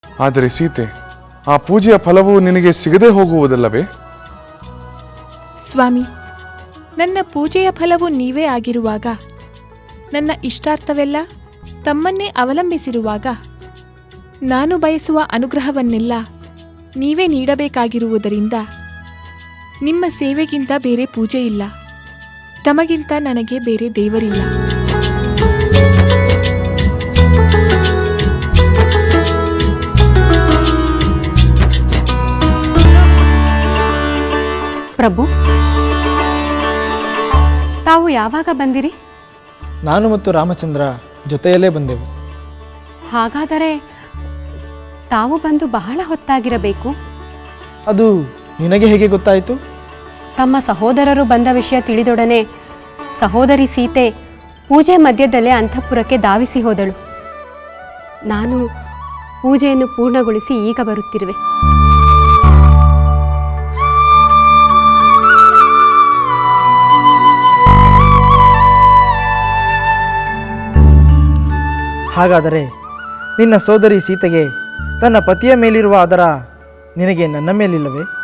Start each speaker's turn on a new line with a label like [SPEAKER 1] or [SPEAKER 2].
[SPEAKER 1] ಆದರೆ ಸೀತೆ, ಆ ಪೂಜೆಯ ಫಲವು ನಿನಗೆ ಸಿಗದೆ ಹೋಗುವುದಲ್ಲವೇ?
[SPEAKER 2] ಸ್ವಾಮಿ, ನನ್ನ ಪೂಜೆಯ ಫಲವು ನೀವೇ ಆಗಿರುವಾಗ, ನನ್ನ ಇಷ್ಟಾರ್ಥವೆಲ್ಲ ತಮ್ಮನ್ನೇ ಅವಲಂಬಿಸಿರುವಾಗ, ನಾನು ಬಯಸುವ ಅನುಗ್ರಹವನ್ನೆಲ್ಲ ನೀವೇ ನೀಡಬೇಕಾಗಿರುವುದರಿಂದ ನಿಮ್ಮ ಸೇವೆಗಿಂತ ಬೇರೆ ಪೂಜೆ ಇಲ್ಲ, ತಮಗಿಂತ ನನಗೆ ಬೇರೆ ದೇವರಿಲ್ಲ.
[SPEAKER 3] ಪ್ರಭು, ತಾವು ಯಾವಾಗ ಬಂದಿರಿ?
[SPEAKER 4] ನಾನು ಮತ್ತು ರಾಮಚಂದ್ರ ಜೊತೆಯಲ್ಲೇ ಬಂದೆವು.
[SPEAKER 3] ಹಾಗಾದರೆ ತಾವು ಬಂದು ಬಹಳ ಹೊತ್ತಾಗಿರಬೇಕು.
[SPEAKER 4] ಅದು ನಿನಗೆ ಹೇಗೆ ಗೊತ್ತಾಯಿತು?
[SPEAKER 3] ತಮ್ಮ ಸಹೋದರರು ಬಂದ ವಿಷಯ ತಿಳಿದೊಡನೆ ಸಹೋದರಿ ಸೀತೆ ಪೂಜೆ ಮಧ್ಯದಲ್ಲೇ ಅಂತಃಪುರಕ್ಕೆ ಧಾವಿಸಿ ಹೋದಳು. ನಾನು ಪೂಜೆಯನ್ನು ಪೂರ್ಣಗೊಳಿಸಿ ಈಗ ಬರುತ್ತಿರುವೆ.
[SPEAKER 4] ಹಾಗಾದರೆ ನಿನ್ನ ಸೋದರಿ ಸೀತೆಗೆ ತನ್ನ ಪತಿಯ ಮೇಲಿರುವ ಆದರ ನಿನಗೆ ನನ್ನ ಮೇಲಿಲ್ಲವೇ?